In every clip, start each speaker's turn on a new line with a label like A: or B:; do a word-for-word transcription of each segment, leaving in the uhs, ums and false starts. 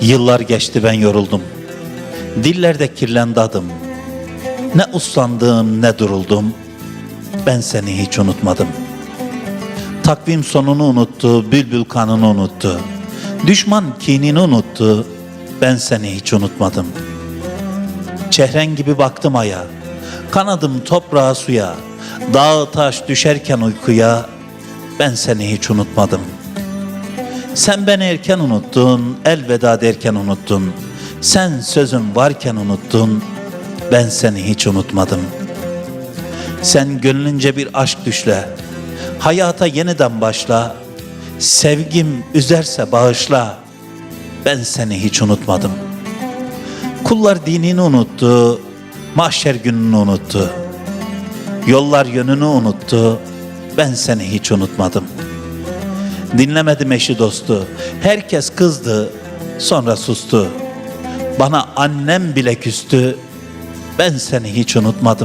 A: Yıllar geçti, ben yoruldum. Dillerde kirlendi adım. Ne uslandım ne duruldum. Ben seni hiç unutmadım. Takvim sonunu unuttu, bülbül kanını unuttu. Düşman kinini unuttu. Ben seni hiç unutmadım. Çehren gibi baktım aya, kanadım toprağa suya. Dağ taş düşerken uykuya. Ben seni hiç unutmadım. Sen beni erken unuttun, elveda derken unuttun. Sen sözüm varken unuttun, ben seni hiç unutmadım. Sen gönlünce bir aşk düşle, hayata yeniden başla. Sevgim üzerse bağışla, ben seni hiç unutmadım. Kullar dinini unuttu, mahşer gününü unuttu. Yollar yönünü unuttu, ben seni hiç unutmadım. Dinlemedim eşi dostu, herkes kızdı, sonra sustu. Bana annem bile küstü, ben seni hiç unutmadım.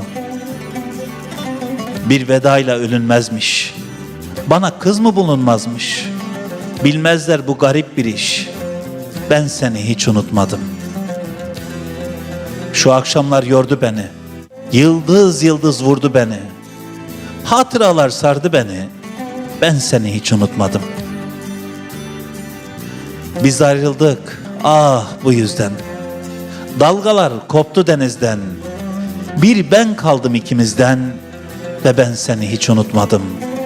A: Bir vedayla ölünmezmiş, bana kız mı bulunmazmış? Bilmezler bu garip bir iş, ben seni hiç unutmadım. Şu akşamlar yordu beni, yıldız yıldız vurdu beni. Hatıralar sardı beni, ben seni hiç unutmadım. Biz ayrıldık, ah bu yüzden. Dalgalar koptu denizden. Bir ben kaldım ikimizden ve ben seni hiç unutmadım.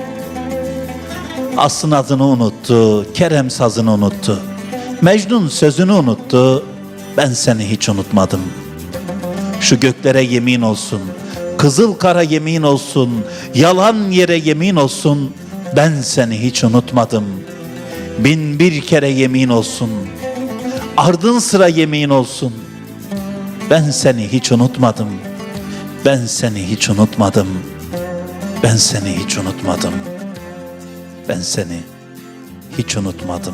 A: Aslın adını unuttu, Kerem sazını unuttu. Mecnun sözünü unuttu, ben seni hiç unutmadım. Şu göklere yemin olsun, kızıl kara yemin olsun, yalan yere yemin olsun, ben seni hiç unutmadım. Bin bir kere yemin olsun, ardın sıra yemin olsun, ben seni hiç unutmadım. Ben seni hiç unutmadım. Ben seni hiç unutmadım. Ben seni hiç unutmadım.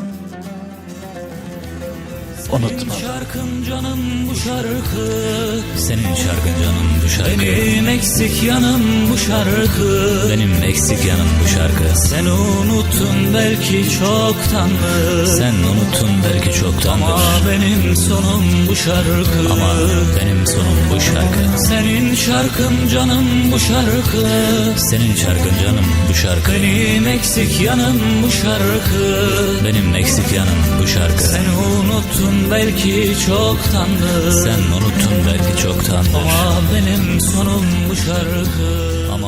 A: Unutmadım.
B: Senin şarkın canım bu şarkı, senin şarkın canım bu şarkı. Benim eksik yanım bu şarkı, benim eksik yanım bu şarkı. Sen unuttun belki çoktandır, sen unuttun belki çoktandır. Ama benim sonum bu şarkı, ama benim sonum bu şarkı. Senin şarkın canım bu şarkı, senin şarkın canım bu şarkı. Benim eksik yanım bu şarkı, benim eksik yanım bu şarkı. Sen unuttun belki çoktandır, sen unuttun belki çoktandır. Ama benim sonum bu şarkı, ama